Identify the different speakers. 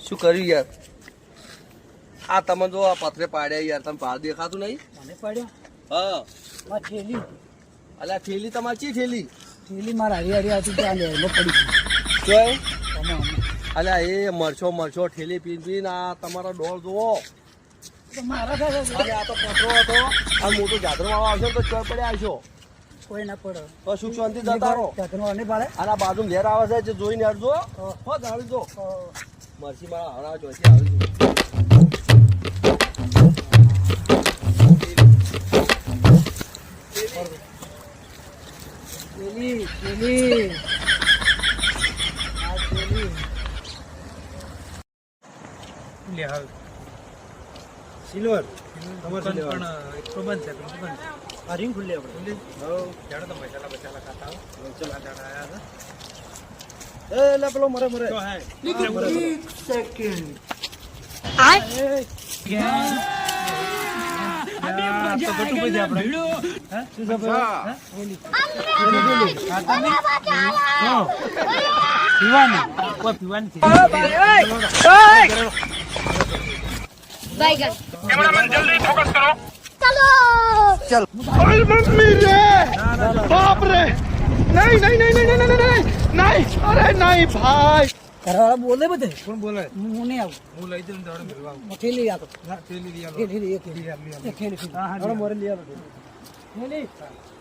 Speaker 1: શું કર્યું યાર? આ તમે જો આ પથરે પાડ્યા યાર, તમે ભાર દેખાતું નહીં?
Speaker 2: મને પડ્યો
Speaker 1: હા
Speaker 2: માં થેલી
Speaker 1: અલ્યા થેલી તમારી ચી થેલી?
Speaker 2: થેલી મારા હરી હતી ત્યાં લેરમાં પડી
Speaker 1: જોય
Speaker 2: તમે
Speaker 1: અલ્યા એ મરચો ઠેલી પીને આ તમારો ડોળ જોવો.
Speaker 2: તો મારા થાય
Speaker 1: અરે આ તો પથરો હતો, આ મોટો જાદરો વાળો આવશે તો ચોર પડ્યા આવશો
Speaker 2: કોઈ ના પડે
Speaker 1: તો સુખ શાંતિ જતા રહો.
Speaker 2: નહીં પાડે
Speaker 1: અને આ બાજુ લેર આવે છે જે જોઈને હરજો. હો જાણી જો મરસી મારા હરા જોઈશે આવી
Speaker 2: થેલી થેલી આ થેલી લે હાલ
Speaker 3: સિલ્વર
Speaker 2: તમાર પણ એક તો બંધ છે
Speaker 3: આ રિંગ ખુલ્લી આપણે
Speaker 2: જાણો તો મસાલા ખાતા હો ચલા જાણા આયા
Speaker 3: એ લે પેલો મરે
Speaker 2: તો હે
Speaker 3: સેકન્ડ
Speaker 2: તો ગટુ પડી આપણે હે શું ખબર ઓલી ખાતા નહીં પીવાની કોઈ પીવાની છે
Speaker 4: बैगन कैमरा मैन जल्दी फोकस करो चलो
Speaker 3: ओए मम्मी रे बाप रे नहीं नहीं नहीं नहीं नहीं नहीं नहीं अरे नहीं भाई
Speaker 2: ઘરવાળા બોલે બધે
Speaker 3: કોણ બોલે
Speaker 2: હું નહીં આવું
Speaker 3: હું લઈ દઉં દાડે મેળવા
Speaker 2: થેલી આપો
Speaker 3: ના થેલી લઈ આલો
Speaker 2: થેલી એક થેલી
Speaker 3: લઈ આલો
Speaker 2: થેલી
Speaker 3: હા મોરે લઈ આલો
Speaker 2: થેલી